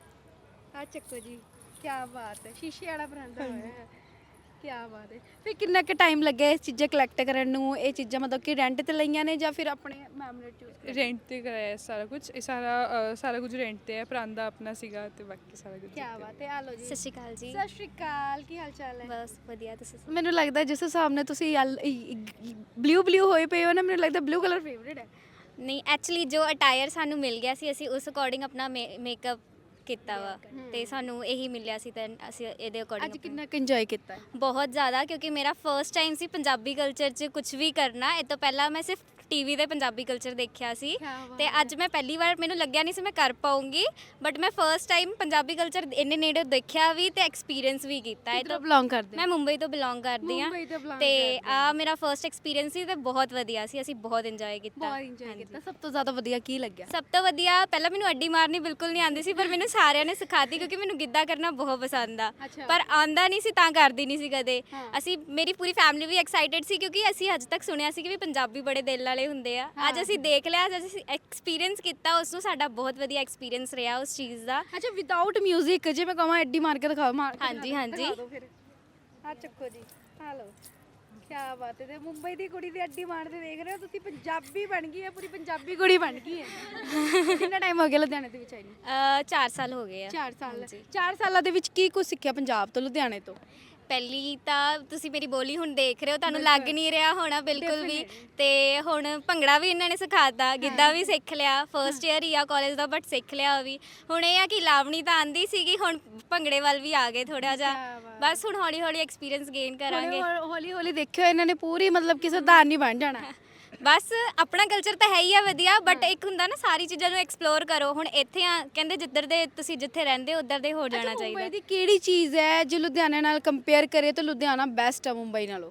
ਆ ਚੱਕੋ ਜੀ, ਕੀ ਬਾਤ ਹੈ। ਸ਼ੀਸ਼ੇ ਵਾਲਾ ਪਰਾਂਦਾ ਹੋਇਆ ਹੈ, ਕੀ ਬਾਤ ਹੈ। ਫਿਰ ਕਿੰਨਾ ਕੁ ਟਾਈਮ ਲੱਗਿਆ ਇਹ ਚੀਜ਼ਾਂ ਕਲੈਕਟ ਕਰਨ ਨੂੰ? ਇਹ ਚੀਜ਼ਾਂ ਮਤਲਬ ਕਿ ਰੈਂਟ ਤੇ ਲਈਆਂ ਨੇ ਜਾਂ ਫਿਰ ਆਪਣੇ ਮੈਮੋਰੀ ਚੂਜ਼?
ਰੈਂਟ ਤੇ ਕਰਾਇਆ ਸਾਰਾ ਕੁਝ। ਇਹ ਸਾਰਾ ਕੁਝ ਰੈਂਟ ਤੇ ਹੈ। ਪਰਾਂਦਾ ਆਪਣਾ ਸੀਗਾ ਤੇ ਬਾਕੀ ਸਾਰਾ ਕੁਝ।
ਕੀ ਬਾਤ ਹੈ। ਆ ਲਓ ਜੀ।
ਸਤਿ ਸ਼੍ਰੀ ਅਕਾਲ ਜੀ।
ਸਤਿ ਸ਼੍ਰੀ ਅਕਾਲ, ਕੀ ਹਾਲ ਚਾਲ ਹੈ?
ਬਸ ਵਧੀਆ, ਤੁਸੀਂ
ਮੈਨੂੰ ਲੱਗਦਾ ਜਿਸ ਹਿਸਾਬ ਨਾਲ ਤੁਸੀਂ ਬਲੂ ਹੋਏ ਪਏ ਹੋ ਨਾ, ਮੈਨੂੰ ਲੱਗਦਾ ਬਲੂ ਕਲਰ ਫੇਵਰੇਟ ਹੈ।
ਨਹੀਂ, ਐਕਚੁਅਲੀ ਜੋ ਅਟਾਇਰ ਸਾਨੂੰ ਮਿਲ ਗਿਆ ਸੀ, ਅਸੀਂ ਉਸ ਅਕੋਰਡਿੰਗ ਆਪਣਾ ਮੇਕਅਪ ਕੀਤਾ ਵਾ ਤੇ ਸਾਨੂੰ ਇਹੀ ਮਿਲਿਆ ਸੀ, ਤਾਂ ਅਸੀਂ ਇਹਦੇ
ਅੱਜ
ਅਕੋਰਡਿੰਗ
ਕਿੰਨਾ ਕੁ ਇੰਜੋਏ ਕੀਤਾ ਹੈ?
ਬਹੁਤ ਜ਼ਿਆਦਾ, ਕਿਉਂਕਿ ਮੇਰਾ ਫਰਸਟ ਟਾਈਮ ਸੀ ਪੰਜਾਬੀ ਕਲਚਰ 'ਚ ਕੁਝ ਵੀ ਕਰਨਾ। ਇਹ ਤੋਂ ਪਹਿਲਾਂ ਮੈਂ ਸਿਰਫ ਟੀਵੀ ਤੇ ਪੰਜਾਬੀ ਕਲਚਰ ਦੇਖਿਆ ਸੀ ਤੇ ਅੱਜ ਮੈਂ ਪਹਿਲੀ ਵਾਰ, ਮੈਨੂੰ ਲੱਗਿਆ ਨਹੀਂ ਸੀ ਮੈਂ ਕਰ ਪਾਉਂਗੀ, ਬਟ ਮੈਂ ਫਰਸਟ ਟਾਈਮ ਪੰਜਾਬੀ ਕਲਚਰ ਇੰਨੇ ਨੇੜੇ ਦੇਖਿਆ ਵੀ ਤੇ ਐਕਸਪੀਰੀਅੰਸ ਵੀ ਕੀਤਾ। ਇਹ
ਕਿੱਧਰੋਂ ਬਿਲੋਂਗ ਕਰਦੇ?
ਮੈਂ ਮੁੰਬਈ ਤੋਂ ਬਿਲੋਂਗ ਕਰਦੀ ਹਾਂ
ਮੁੰਬਈ ਤੋਂ belong
ਤੇ
ਕਰਦੇ
ਆ ਮੇਰਾ ਫਰਸਟ ਐਕਸਪੀਰੀਅੰਸ ਸੀ ਤੇ ਬਹੁਤ ਵਧੀਆ ਸੀ, ਅਸੀਂ ਬਹੁਤ ਇੰਜੋਏ ਕੀਤਾ।
ਬਹੁਤ ਇੰਜੋਏ ਕੀਤਾ। ਸਭ ਤੋਂ ਜ਼ਿਆਦਾ ਵਧੀਆ ਕੀ ਲੱਗਿਆ?
ਸਭ ਤੋਂ ਵਧੀਆ, ਪਹਿਲਾਂ ਮੈਨੂੰ ਅੱਡੀ ਮਾਰਨੀ ਬਿਲਕੁਲ ਨਹੀਂ ਆਉਂਦੀ ਸੀ, ਪਰ ਮੈਨੂੰ ਸਾਰਿਆਂ ਨੇ ਸਿਖਾਤੀ, ਕਿਉਂਕਿ ਮੈਨੂੰ ਗਿੱਧਾ ਕਰਨਾ ਬਹੁਤ ਪਸੰਦ ਆ।
ਅੱਛਾ।
ਪਰ ਆਉਂਦਾ ਨਹੀਂ ਸੀ ਤਾਂ ਕਰਦੀ ਨਹੀਂ ਸੀ ਕਦੇ।
ਹਾਂ।
ਅਸੀਂ, ਮੇਰੀ ਪੂਰੀ ਫੈਮਿਲੀ ਵੀ ਐਕਸਾਈਟਿਡ ਸੀ, ਕਿਉਂਕਿ ਅਸੀਂ ਅੱਜ ਤੱਕ ਸੁਣਿਆ ਸੀ ਕਿ ਵੀ ਪੰਜਾਬੀ ਬੜੇ ਦਿਲ ਵਾਲੇ ਹੁੰਦੇ ਆ। ਅੱਜ ਅਸੀਂ ਦੇਖ ਲਿਆ, ਅੱਜ ਅਸੀਂ ਐਕਸਪੀਰੀਅੰਸ ਕੀਤਾ ਉਸ ਨੂੰ, ਸਾਡਾ ਬਹੁਤ ਵਧੀਆ ਐਕਸਪੀਰੀਅੰਸ ਰਿਹਾ ਉਸ ਚੀਜ਼ ਦਾ।
ਅੱਛਾ ਵਿਦਆਊਟ 뮤직 ਜੇ ਮੈਂ ਕਹਾਂ ਐਡੀ ਮਾਰ ਕੇ ਦਿਖਾਓ?
ਹਾਂਜੀ, ਹਾਂਜੀ।
ਆ ਚੱਕੋ ਜੀ, ਆ ਲਓ। ਕੀ ਬਾਤ ਹੈ। ਤੇ ਮੁੰਬਈ ਦੀ ਕੁੜੀ ਦੀ ਅੱਡੀ ਮਾਰਦੇ ਦੇਖ ਰਹੇ ਹੋ ਤੁਸੀਂ, ਪੰਜਾਬੀ ਬਣ ਗਈ ਹੈ, ਪੂਰੀ ਪੰਜਾਬੀ ਕੁੜੀ ਬਣ ਗਈ ਹੈ। ਕਿੰਨਾ ਟਾਈਮ ਹੋ ਗਿਆ ਲੁਧਿਆਣੇ ਦੇ ਵਿੱਚ ਆਈ ਨੂੰ?
4 ਸਾਲ ਹੋ ਗਏ ਆ।
4 ਸਾਲ।
ਹਾਂਜੀ।
4 ਸਾਲਾਂ ਦੇ ਵਿੱਚ ਕੀ ਕੁਝ ਸਿੱਖਿਆ ਪੰਜਾਬ ਤੋਂ, ਲੁਧਿਆਣੇ ਤੋਂ?
ਪਹਿਲੀ ਤਾਂ ਤੁਸੀਂ ਮੇਰੀ ਬੋਲੀ ਹੁਣ ਦੇਖ ਰਹੇ ਹੋ, ਤੁਹਾਨੂੰ ਲੱਗ ਨਹੀਂ ਰਿਹਾ ਹੋਣਾ ਬਿਲਕੁਲ ਵੀ। ਤੇ ਹੁਣ ਭੰਗੜਾ ਵੀ ਇਹਨਾਂ ਨੇ ਸਿਖਾਤਾ, ਗਿੱਧਾ ਵੀ ਸਿੱਖ ਲਿਆ। ਫਰਸਟ ਈਅਰ ਹੀ ਆ ਕਾਲਜ ਦਾ, ਬਟ ਸਿੱਖ ਲਿਆ ਉਹ ਵੀ। ਹੁਣ ਇਹ ਆ ਕਿ ਲਾਵਣੀ ਤਾਂ ਆਂਦੀ ਸੀਗੀ, ਹੁਣ ਭੰਗੜੇ ਵੱਲ ਵੀ ਆ ਗਏ ਥੋੜਾ ਜਿਹਾ। ਬਸ ਹੁਣ ਹੌਲੀ ਹੌਲੀ ਐਕਸਪੀਰੀਅੰਸ ਗੇਨ ਕਰਾਂਗੇ।
ਹੌਲੀ ਹੌਲੀ ਦੇਖਿਓ ਇਹਨਾਂ ਨੇ ਪੂਰੀ ਮਤਲਬ ਕਿ ਸਰਦਾਰ ਨਹੀਂ ਬਣ ਜਾਣਾ।
ਬਸ ਆਪਣਾ ਕਲਚਰ ਤਾਂ ਹੈ ਹੀ ਆ ਵਧੀਆ, ਬਟ ਇੱਕ ਹੁੰਦਾ ਨਾ ਸਾਰੀ ਚੀਜ਼ਾਂ ਨੂੰ ਐਕਸਪਲੋਰ ਕਰੋ। ਹੁਣ ਇੱਥੇ ਆ, ਕਹਿੰਦੇ ਜਿੱਧਰ ਦੇ ਤੁਸੀਂ ਜਿੱਥੇ ਰਹਿੰਦੇ ਹੋ ਉੱਧਰ ਦੇ ਹੋ ਜਾਣਾ ਚਾਹੀਦਾ।
ਮੁੰਬਈ ਦੀ ਕਿਹੜੀ ਚੀਜ਼ ਹੈ ਜੇ ਲੁਧਿਆਣੇ ਨਾਲ ਕੰਪੇਅਰ ਕਰੇ ਤਾਂ ਲੁਧਿਆਣਾ ਬੈਸਟ ਹੈ ਮੁੰਬਈ ਨਾਲੋਂ?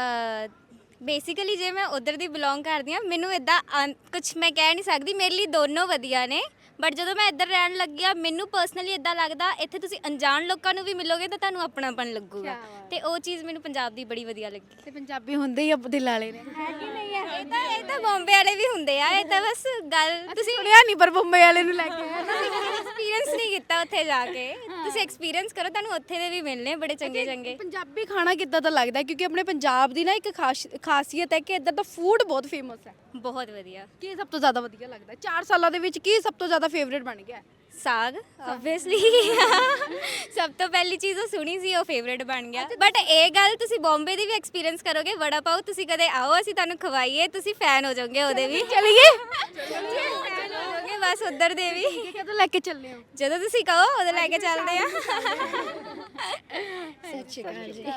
ਬੇਸਿਕਲੀ ਜੇ ਮੈਂ ਉਧਰ ਦੀ ਬਿਲੋਂਗ ਕਰਦੀ ਹਾਂ, ਮੈਨੂੰ ਇਦਾਂ ਕੁਝ ਮੈਂ ਕਹਿ ਨਹੀਂ ਸਕਦੀ, ਮੇਰੇ ਲਈ ਦੋਨੋਂ ਵਧੀਆ ਨੇ। ਬਟ ਜਦੋਂ ਮੈਂ ਇੱਧਰ ਰਹਿਣ ਲੱਗਿਆ, ਮੈਨੂੰ ਪਰਸਨਲੀ ਇਦਾਂ ਲੱਗਦਾ ਇੱਥੇ ਤੁਸੀਂ ਅਣਜਾਣ ਲੋਕਾਂ ਨੂੰ ਵੀ ਮਿਲੋਗੇ ਤਾਂ ਤੁਹਾਨੂੰ ਆਪਣਾਪਨ ਲੱਗੂਗਾ, ਤੇ ਉਹ ਚੀਜ਼ ਮੈਨੂੰ ਪੰਜਾਬ ਦੀ ਬੜੀ ਵਧੀਆ ਲੱਗੀ।
ਤੇ ਪੰਜਾਬੀ ਹੁੰਦੇ ਹੀ ਦਿਲ ਵਾਲੇ ਨੇ, ਹੈ ਕਿ ਨਹੀਂ ਹੈ?
ਇਹ ਤਾਂ ਬੰਬੇ ਵਾਲੇ ਵੀ ਹੁੰਦੇ ਆ, ਇਹ ਤਾਂ ਬਸ ਗੱਲ ਤੁਸੀਂ
ਸੁਣਿਆ ਨਹੀਂ, ਪਰ ਬੰਬਈ ਵਾਲੇ ਨੂੰ ਲੈ ਕੇ ਆਇਆ।
ਐਕਸਪੀਰੀਅੰਸ ਨਹੀਂ ਕੀਤਾ ਉੱਥੇ ਜਾ ਕੇ। ਤੁਸੀਂ ਐਕਸਪੀਰੀਅੰਸ ਕਰੋ, ਤੁਹਾਨੂੰ ਉੱਥੇ ਦੇ ਵੀ ਮਿਲਨੇ ਬੜੇ ਚੰਗੇ ਚੰਗੇ।
ਪੰਜਾਬੀ ਖਾਣਾ ਕਿੱਦਾਂ ਦਾ ਲੱਗਦਾ? ਕਿਉਂਕਿ ਆਪਣੇ ਪੰਜਾਬ ਦੀ ਨਾ ਇੱਕ ਖਾਸੀਅਤ ਹੈ ਕਿ ਇੱਧਰ ਦਾ ਫੂਡ ਬਹੁਤ ਫੇਮਸ ਹੈ।
ਬਹੁਤ ਵਧੀਆ।
ਕੀ ਸਭ ਤੋਂ ਜ਼ਿਆਦਾ ਵਧੀਆ ਲੱਗਦਾ? 4 ਸਾਲਾਂ ਦੇ ਵਿੱਚ ਕੀ ਸਭ ਤੋਂ ਜ਼ਿਆਦਾ ਫੇਵਰੇਟ ਬਣ ਗਿਆ?
ਸਾਗ ਆਬਵੀਅਸਲੀ ਸਭ ਤੋਂ ਪਹਿਲੀ ਚੀਜ਼ ਉਹ ਸੁਣੀ ਸੀ, ਉਹ ਫੇਵਰੇਟ ਬਣ ਗਿਆ। ਬਟ ਇਹ ਗੱਲ ਤੁਸੀਂ ਬੰਬੇ ਦੀ ਵੀ ਐਕਸਪੀਰੀਅੰਸ ਕਰੋਗੇ, ਵੜਾ ਪਾਓ ਤੁਸੀਂ ਕਦੇ ਆਓ, ਅਸੀਂ ਤੁਹਾਨੂੰ ਖਵਾਈਏ, ਤੁਸੀਂ ਫੈਨ ਹੋ ਜਾਓਗੇ ਉਹਦੇ ਵੀ।
ਚਲੀਏ
ਫੈਨ ਹੋ ਜਾਓਗੇ ਬਸ ਉੱਧਰ ਦੇ ਵੀ।
ਕਦੋਂ ਲੈ ਕੇ ਚੱਲੇ ਹੋ?
ਜਦੋਂ ਤੁਸੀਂ ਕਹੋ ਉਦੋਂ ਲੈ ਕੇ ਚੱਲਦੇ ਆ।
ਸਤਿ ਸ਼੍ਰੀ ਅਕਾਲ ਜੀ।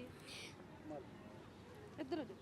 ਇੱਧਰ ਹੋ ਜਾਓ।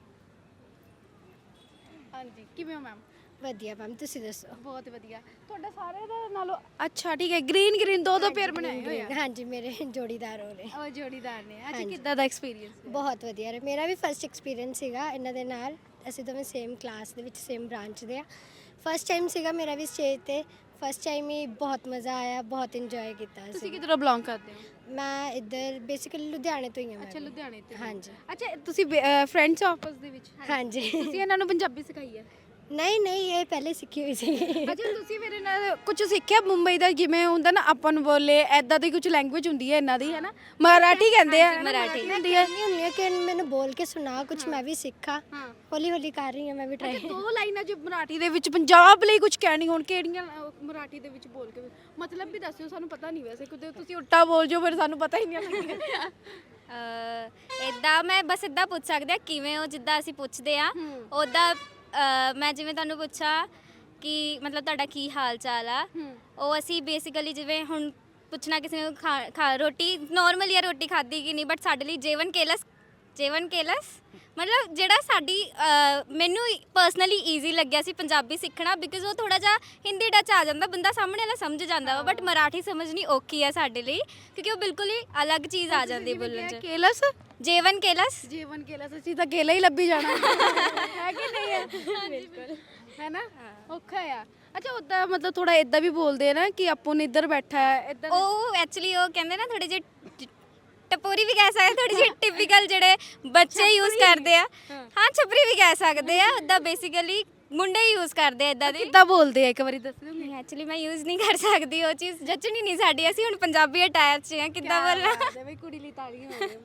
ਹਾਂਜੀ, ਕਿਵੇਂ ਹੋ ਮੈਮ?
ਵਧੀਆ ਮੈਮ, ਤੁਸੀਂ ਦੱਸੋ?
ਬਹੁਤ ਵਧੀਆ। ਤੁਹਾਡਾ ਸਾਰਿਆਂ ਦਾ ਨਾਲੋਂ ਅੱਛਾ, ਠੀਕ ਹੈ। ਗ੍ਰੀਨ ਗ੍ਰੀਨ ਦੋ ਪੇਅਰ ਬਣਾਏ ਹੋਏ ਆ।
ਹਾਂਜੀ, ਮੇਰੇ ਜੋੜੀਦਾਰ ਹੋ ਰਹੇ।
ਉਹ ਜੋੜੀਦਾਰ ਨੇ। ਅੱਛਾ, ਕਿੱਦਾਂ ਦਾ ਐਕਸਪੀਰੀਅੰਸ?
ਬਹੁਤ ਵਧੀਆ ਰਿਹਾ। ਮੇਰਾ ਵੀ ਫਰਸਟ ਐਕਸਪੀਰੀਅੰਸ ਸੀਗਾ ਇਹਨਾਂ ਦੇ ਨਾਲ। ਅਸੀਂ ਦੋਵੇਂ ਸੇਮ ਕਲਾਸ ਦੇ ਵਿੱਚ ਸੇਮ ਬ੍ਰਾਂਚ ਦੇ ਆ। ਫਸਟ ਟਾਈਮ ਸੀਗਾ ਮੇਰਾ ਵੀ ਸਟੇਜ ਤੇ। ਫਸਟ ਟਾਈਮ ਹੀ ਬਹੁਤ ਮਜ਼ਾ ਆਇਆ, ਬਹੁਤ ਇੰਜੋਏ ਕੀਤਾ
ਤੁਸੀਂ
ਸੀ।
ਕਿੱਧਰੋਂ ਬਿਲੋਂਗ ਕਰਦੇ ਹੋ?
ਮੈਂ ਇੱਧਰ ਬੇਸਿਕਲੀ ਲੁਧਿਆਣੇ ਤੋਂ ਹੀ ਹਾਂ।
ਅੱਛਾ, ਲੁਧਿਆਣੇ ਤੋਂ।
ਹਾਂਜੀ
ਅੱਛਾ, ਤੁਸੀਂ ਫਰੈਂਡਸ ਆਪਸ ਦੇ ਵਿੱਚ?
ਹਾਂਜੀ।
ਤੁਸੀਂ ਇਹਨਾਂ ਨੂੰ ਪੰਜਾਬੀ ਸਿਖਾਈ ਹੈ?
ਨਹੀਂ ਨਹੀਂ, ਇਹ ਪਹਿਲੇ ਸਿੱਖੀ ਹੋਈ ਸੀ।
ਅੱਛਾ, ਤੁਸੀਂ ਮੇਰੇ ਨਾਲ ਕੁਝ ਸਿੱਖਿਆ ਮੁੰਬਈ ਦਾ? ਜਿਵੇਂ ਹੁੰਦਾ ਨਾ ਆਪਾਂ ਨੂੰ ਬੋਲੇ, ਐਦਾਂ ਦੀ ਕੁਝ ਲੈਂਗੁਏਜ ਹੁੰਦੀ ਹੈ ਇਹਨਾਂ ਦੀ, ਹੈ ਨਾ? ਮਰਾਠੀ ਕਹਿੰਦੇ ਆ।
ਮਰਾਠੀ
ਹੁੰਦੀ ਹੈ।
ਨਹੀਂ ਹੁੰਦੀ ਕਿ ਮੈਨੂੰ ਬੋਲ ਕੇ ਸੁਣਾ, ਕੁਝ ਮੈਂ ਵੀ ਸਿੱਖਾਂ।
ਹਾਂ।
ਹੌਲੀ ਹੌਲੀ ਕਰ ਰਹੀ ਹਾਂ ਮੈਂ ਵੀ ਟਰਾਈ।
ਦੋ ਲਾਈਨਾਂ ਜੋ ਮਰਾਠੀ ਦੇ ਵਿੱਚ ਪੰਜਾਬ ਲਈ ਕੁਝ ਕਹਿਣੀ ਹੋਣ, ਕਿਹੜੀਆਂ ਮਰਾਠੀ ਦੇ ਵਿੱਚ ਬੋਲ ਕੇ ਮਤਲਬ ਵੀ ਦੱਸਿਓ, ਸਾਨੂੰ ਪਤਾ ਨਹੀਂ ਵੈਸੇ। ਕਿਤੇ ਤੁਸੀਂ ਉਲਟਾ ਬੋਲ ਜਾਓ ਫਿਰ ਸਾਨੂੰ ਪਤਾ ਹੀ ਨਹੀਂ ਲੱਗੇਗਾ।
ਇਦਾਂ ਮੈਂ ਬਸ ਇਦਾਂ ਪੁੱਛ ਸਕਦੇ ਆ ਕਿਵੇਂ ਹੋ, ਜਿੱਦਾਂ ਅਸੀਂ ਪੁੱਛਦੇ ਆ ਉੱਦਾਂ। ਮੈਂ ਜਿਵੇਂ ਤੁਹਾਨੂੰ ਪੁੱਛਾ ਕਿ ਮਤਲਬ ਤੁਹਾਡਾ ਕੀ ਹਾਲ ਚਾਲ ਆ, ਉਹ ਅਸੀਂ ਬੇਸਿਕਲੀ ਜਿਵੇਂ ਹੁਣ ਪੁੱਛਣਾ ਕਿਸੇ ਨੂੰ ਖਾ ਰੋਟੀ ਨਾਰਮਲੀ ਆ, ਰੋਟੀ ਖਾਧੀ ਕਿ ਨਹੀਂ, ਬਟ ਸਾਡੇ ਲਈ ਜੀਵਨ ਕੇਲਸ ਮਤਲਬ ਜਿਹੜਾ ਸਾਡੀ ਮੈਨੂੰ ਪਰਸਨਲੀ ਈਜ਼ੀ ਲੱਗਿਆ ਸੀ ਪੰਜਾਬੀ ਸਿੱਖਣਾ, ਬਿਕਾਜ਼ ਉਹ ਥੋੜਾ ਜਿਹਾ ਹਿੰਦੀ ਟੱਚ ਆ ਜਾਂਦਾ, ਬੰਦਾ ਸਾਹਮਣੇ ਵਾਲਾ ਸਮਝ ਜਾਂਦਾ ਵਾ। ਬਟ ਮਰਾਠੀ ਸਮਝਣੀ ਔਖੀ ਆ ਸਾਡੇ ਲਈ, ਕਿਉਂਕਿ ਉਹ ਬਿਲਕੁਲ ਹੀ ਅਲੱਗ ਚੀਜ਼ ਆ ਜਾਂਦੀ ਬੋਲਣ 'ਚ।
ਕੇਲਸ?
ਜੀਵਨ ਕੇਲਸ
ਅਸੀਂ ਤਾਂ ਕੇਲਾ ਹੀ ਲੱਭੀ ਜਾਣਾ ਹੈ ਕਿ ਨਹੀਂ ਹੈ? ਬਿਲਕੁਲ, ਹੈ ਨਾ? ਔਖਾ ਆ। ਅੱਛਾ, ਉਦਾਂ ਮਤਲਬ ਥੋੜਾ ਇਦਾਂ ਵੀ ਬੋਲਦੇ ਆ ਨਾ ਕਿ ਆਪੋ ਨੇ ਇੱਧਰ ਬੈਠਾ ਹੈ, ਇੱਧਰ।
ਉਹ ਐਕਚੁਅਲੀ ਉਹ ਕਹਿੰਦੇ ਨਾ ਥੋੜੇ ਜਿਹੇ ਟਪੋਰੀ ਵੀ ਕਹਿ ਸਕਦੇ, ਥੋੜੀ ਜਿਹੀ ਟਿਪੀਕਲ ਜਿਹੜੇ ਬੱਚੇ ਯੂਜ਼ ਕਰਦੇ ਆ। ਹਾਂ, ਛਪਰੀ ਵੀ ਕਹਿ ਸਕਦੇ ਆ। ਉੱਦਾਂ ਬੇਸਿਕਲੀ ਮੁੰਡੇ ਯੂਜ਼ ਕਰਦੇ ਆ ਇਦਾਂ ਦੀ।
ਕਿੱਦਾਂ ਬੋਲਦੇ ਆ ਇੱਕ ਵਾਰੀ ਦੱਸ ਦਿਓ?
ਨਹੀਂ, ਐਕਚੁਅਲੀ ਮੈਂ ਯੂਜ਼ ਨਹੀਂ ਕਰ ਸਕਦੀ ਉਹ ਚੀਜ਼, ਜੱਚਣੀ ਨਹੀਂ ਸਾਡੀ। ਅਸੀਂ ਹੁਣ ਪੰਜਾਬੀ ਅਟੈਚ ਆ, ਕਿੱਦਾਂ ਬੋਲਣਾ।
ਬਈ ਕੁੜੀ ਲਈ ਤਾਲੀਆਂ ਹੋ